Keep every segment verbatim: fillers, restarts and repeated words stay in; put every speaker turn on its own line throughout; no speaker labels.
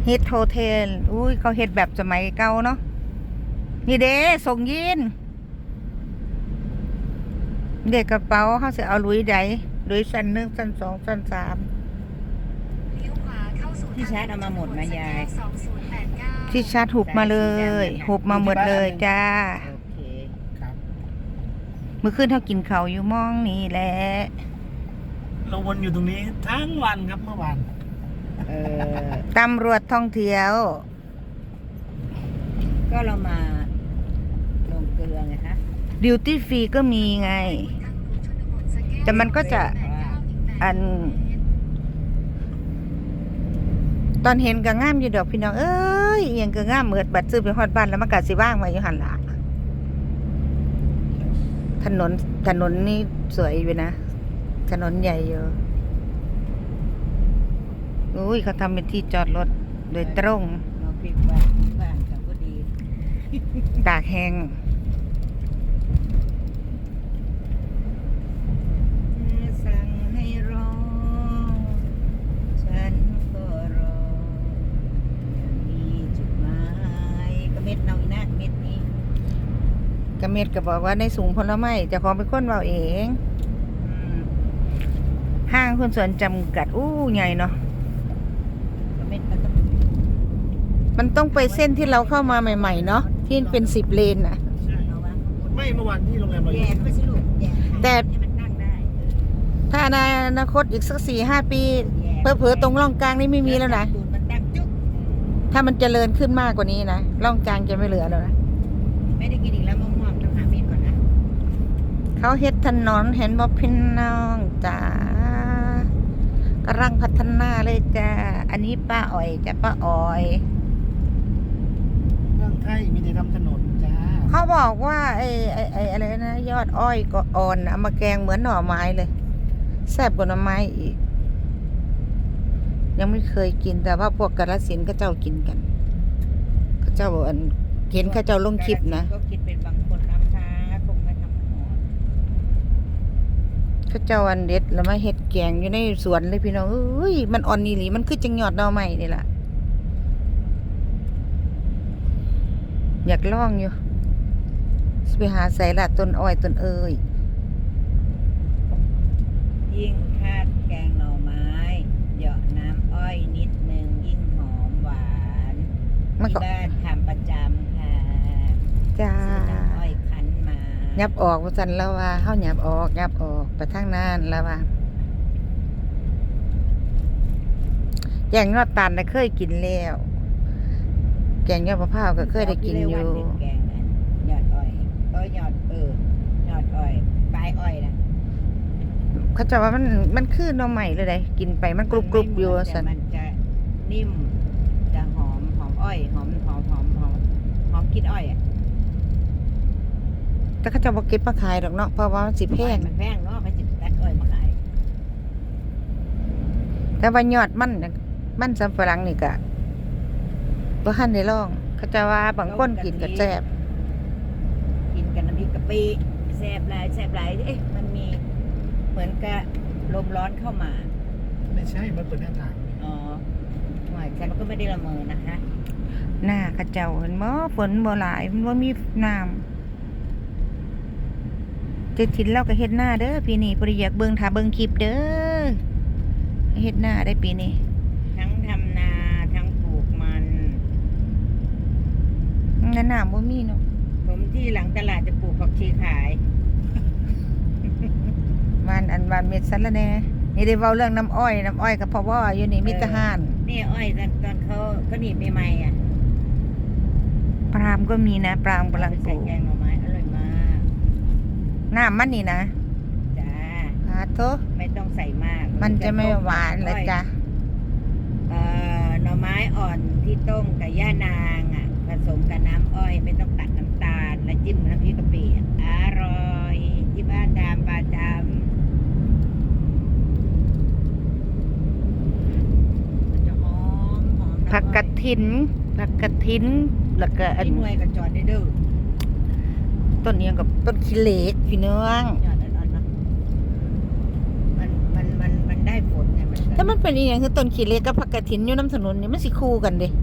เฮ็ดโฮเทลอุ้ยเขาเฮ็ดแบบสมัยเก่าเนาะนี่เด้ส่งยินเด็กกระเป๋าเขาจะเอาลุยใดลุยชั้นหนึ่งชั้นสองชั้นสาม
ที่ชาร์จเอามาหมดไหมยาย
ที่ชาร์จหุบมาเลยหุบมาหมดเลยจ้า
โอเคครับ
เมื่อคืนเขากินเขาวอยู่มองนี่แหละ
เราวนอยู่ตรงนี้ทั้งวันครับเมื่อวาน
เออ
ตำรวจท่องเที่ยว
ก็เรามาลงเกลือไงฮะ
ดิวตี้ฟรีก็มีไงแต่มันก็จะอันตอนเห็นก็งามอยู่ดอกพี่น้องเอ้ยเอียงก็งามเหมือดบัดซื้อไปฮอดบ้านแล้วมันก็สิว่างไว้อยู่หั่นล่ะถนนถนนนี่สวยอยู่นะถนนใหญ่อยู่อุ้ยเขาทำเป็นที่จอดรถโดยตรง
เราปิดบ้านปิดบ้านกับก็ดี
ตากแห้ง
สั่งให้รอฉันก็รออย่างมีจุดหมายก็เม็ดเนาอีนะเม็ดนี้
กระเม็ดก็บอกว่าในสูงผลไม้เจ้าของเป็นคนเว้าเองห้างหุ้นส่วนจำกัดอู้ใหญ่เนาะมันต้องไปเส้นที่เราเข้ามาใหม่ๆเนาะที่เป็นสิบเลนน่ะ
ไม่เมื่อวานที่โรงแรมเราอ
ยู่แต่
ถ้าในอนาคตอีกสักสี่ห้าปีเผลอๆตรงร่องกลางนี่ไม่มีแล้วนะถ้ามันเจริญขึ้นมากกว่านี้นะร่องกลางจะไม่เหลือแล้วนะ
ไม่ได้กินอีกแล้วมะม่วงต้องหาเม็ดก่อนนะ
เขาเฮ็ดถนนเห็นบ่พี่น้องจ้ากำลังพัฒนาเลยจ้าอันนี้ป้าอ้อยจ้ะป้าอ้อย
เมืองไทยมีแต่ทำถนนจ้า
เขาบอกว่าไอ้ไอ้ไอ้อะไรนะยอดอ้อยก็อ่อนเอามาแกงเหมือนหน่อไม้เลยแซ่บกว่าหน่อไม้อีกยังไม่เคยกินแต่ว่าพวกกาฬสินธุ์ก็เจ้ากินกันเขาเจ้าอันเห็นเขาเจ้าลงคลิปนะ
ก็คิดเป็นบางคนนะคะคงไม่ทำหมด
เขาเจ้าอันเด็ดแล้วมาเฮ็ดแกงอยู่ในสวนเลยพี่น้องเอ้ยมันอ่อนนี่หลีมันคือจังยอดหน่อไม้นี่ล่ะอยากลองอยู่ไปหาใส่ละต้นอ้อยต้นเอ้ย
ยิ่งคาดแกงหน่อไม้เหยาะน้ำอ้อยนิดนึงยิ่งหอมหวานที่บ้านทำประจำค่ะ
จ้า
น้ำอ้อยคั้นมา
ยับออกว่าซั่นแล้วว่าเฮายับออกยับออกไปทางนั้นแล้วว่าแกงยอดตาลน่ะเคยกินแล้วแกงยอดมะพร้าวก็เคยได้กินอยู่
แกงนั้นยอดอ้อยเออยอดเออยอดอ้อยปลายอ้อยนะ
เขาจะว่ามันมันคือหน่อใหม่เลยได้กินไปมันกรุบกรุบอยู่
สันมันจะนิ่มจะหอมหอมอ้อยหอมหอมหอมหอมหอมกินอ้อยอ่ะ
แต่เขาจะบอกเก็บมาขายดอกเนาะเพราะว่ามันสิแพง
มันแพงเนาะเขาจะตัดอ้อยมาขาย
แต่ว่ายอดมันมันสำปะหลังนี่ก็บ่ทันได้ลองเขาจะว่าบางคนกินก็แซ่บ
กินกันน้ำพริกกะปิแซ่บหลายแซ่บหลายเอ๊ะมันมีเหมือนกับลมร้อนเข้ามา
ไม่ใช่มันเปิดหน้าต่าง
อ๋อหมายฉันก็ไม่ได้ละเมอนะคะ
หน้าเขาเจ้าเห็นบ่ฝนบ่หลายมันบ่มีน้ำเจ็ดถิ่นเราก็เฮ็ดหน้าเด้อปีนี้บ่ได้อยากเบิ่งถ้าเบิ่งคลิปเด้อเฮ็ดหน้าได้ปีนี้
ทั้งทำนาทั้งปลูกมัน
งั้นน้ำบ่มีเนาะ
ผมที่หลังตลาดจะปลูกผักชีขาย
วันอันวันเม็ดสันละแน่นี่ได้เว้าเรื่องน้ำอ้อยน้ำอ้อยกับพ่อว่าอยู่นี่มิตรหาน
นี่อ้อยตอนตอนเขาก็หนีบใหม่ๆอ่ะ
ปรามก็มีนะปรามกำลังปลูก
แกงหน่อไม้อร่อยมาก
น้ำมันนี่นะ
จ้า
ฮาโต
ไม่ต้องใส่มาก
มันจะไม่หวานเลยจ้ะ
เอ่อหน่อไม้อ่อนที่ต้มกับย่านางอ่ะผสมกับน้ำอ้อยไม่ต้องตัดน้ำตาลแล้วจิ้มน้ำพริกกะปิอร่อยที่บ้านทำประจำมันจะหอมหอม
ผักกระถินผักกระถินแล้วก็อัน
หน่วยกับจอดได้ดื้อ
ต้นนี้กับต้นขี้เหล็กพี่น้อง
มันมันมันมันได้ผลไงมันก็
ถ้ามันเป็นอีหยังคือต้นขี้เหล็กกับผักกระถินอยู่น้ำถนนนี่มันสิคู่กันเด้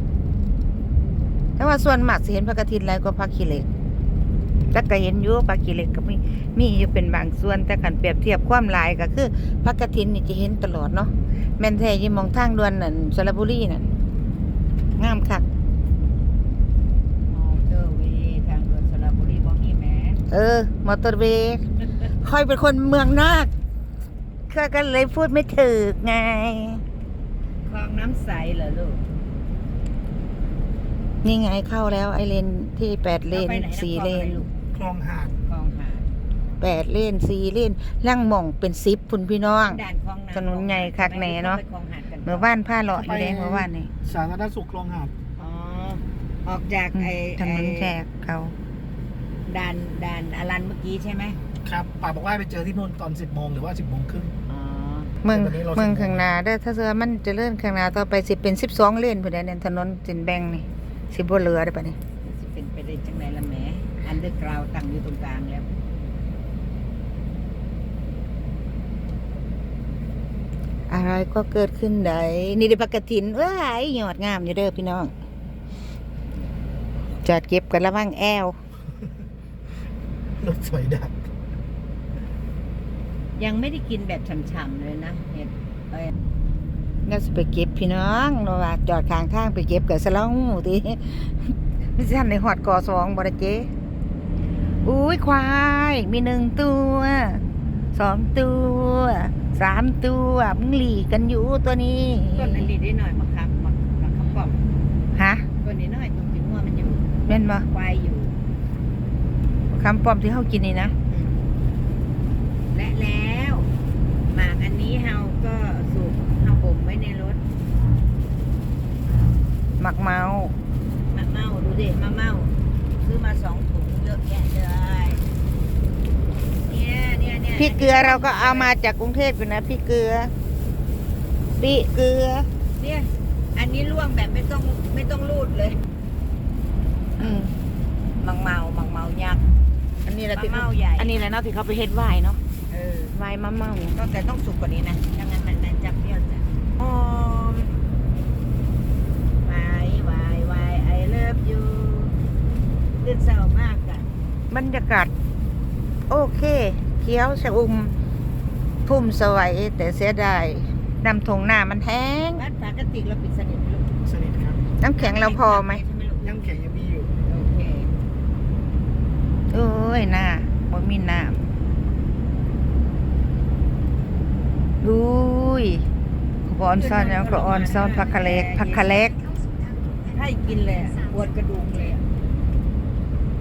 แต่ว่าส่วนมากสิเห็นผักกระถินหลายกว่าผักขี้เหล็กแต่ก็เห็นอยู่ผักขี้เหล็กก็มีมีอยู่เป็นบางส่วนแต่คันเปรียบเทียบความหลายก็คือผักกระถินนี่จะเห็นตลอดเนาะแม่นแท้อยู่หมองทางด่วนนั่นสระบุรีนั่นงามคัก
มอเตอร์เวย์ทางด่วนสระบุรีบ่มีแหม
เออ มอเตอร์เวย์ค่อยเป็นคนเมืองนอกก็ก็เลยพูดไม่ถูกไง
คลองน้ำใสเหรอลูก
นี่ไงเข้าแล้วไอเลนที่แปดเลน
อาไปไหะ
สี่เลน
คลองหาด
คลองหาด
แปดเลนสี่เลนล่างหม่องเป็นสิบพุ่นพี่น้อง
ด่านคลองนา
ถนนใหญ่คักแหน่เนาะ
ไปคลองหาดกัน
เมื่อวานผ้าเลาะอยู่เลยเมื่อวานนี่
สาธารณสุขคลองหาด
อ๋อออกจาก
อืม
ไอ้
ถนน
ไอ้
แจกเขา
ด่านด่านอลันเมื่อกี้ใช่ไหม
ครับป่าบอกว่าไปเจอที่นู่นตอนสิบโมงหรือว่าสิบโมงครึ่ง
อ๋อ
เมือง
แต่วันนี้เรา
เมือง
สิบโมง
ข้างหน้าเด้อถ้าเสือมันเจะเลื่อนข้างหน้าต่อไปสิเป็นสิบสองเลนพุ่นเด้อเนี่ยถนนสินแบ่งนี่สิบ่เหลือได้อปะนี่
สิเป็นไปได้จังไหนละแหมอันเดอร์กราวตั้งอยู่ตรงกลางแล้ว
อะไรก็เกิดขึ้นได้นี่ได้ผักกระถินเอ้ยยอดงามอยู่เด้อพี่น้องจอดเก็บกันระวังแอว
รถสวยดัก
ยังไม่ได้กินแบบฉ่ำๆเลยนะเห็ดเอ้ย
เราจะไปเก็บพี่น้องเราว่าจอดข้างทางไปเก็บกับสลองหมูติไม่ใช่ในหอดกอสองบอดเจอุ้ยควายมีหนึ่งตัวสองตัวสามตัวมึงหลีกกันอยู่ตัวนี้
ต้นอันนี้ได้หน่อยมาครับมามาขับปอม
ฮะ
ต้นนี้หน่อยตรงที่หัวมันอยู่
แม่นบ่
ควายอยู่
คำปลอมที่เขากินนี่นะ
อืมและแล้วหมากอันนี้เฮาก็สุกเฮาบ่มไว้ในรถ
หมักเมา
มะเมาดูดิมะเมาซื้อมาสองถุงเยอะแยะเลยเนี่ยเนี่ยเนี่ย
พริกเกลือเราก็เอามาจากกรุงเทพอยู่นะพริกเกลือพริกเกลือ
เนี่ยอันนี้ล่วงแบบไม่ต้องไม่ต้องรูดเลย
อืม
มังเมามังเมายักษ์
อันนี้แหละ
มะ
ที่
เมาใหญ่
อันนี้แหละเนาะที่เขาไปเฮ็ดไวน์เนาะ
เออ
ไวน์มะเมา
ก็แต่ต้องสุกกว่านี้นะดังนั้นมันมันจะเปรี้ยวจ้ะหอมวายวายวายไอเลิฟยูตื่นเศร้ามากอะ
บรรยากาศโอเคเขียวชอุ่มพุ่มสวัยแต่เสียดายนำทงหน้ามันแห้ง
บ้านฝากระติกเราปิดสนิทไหมลูก
สนิทครับ
น้ำแข็งเราพอไหม
ใช่ไหมลูก
ยังแข็งยังมีอยู่
โอเค
โอ้ยหน้าบ่มีน้ำดูยขอออนซ่อนแล้วขอออนซ่อนผักคะเล็กผักคะเล็ก
ให้กินเลยอะปวดกระดูกเลยอะ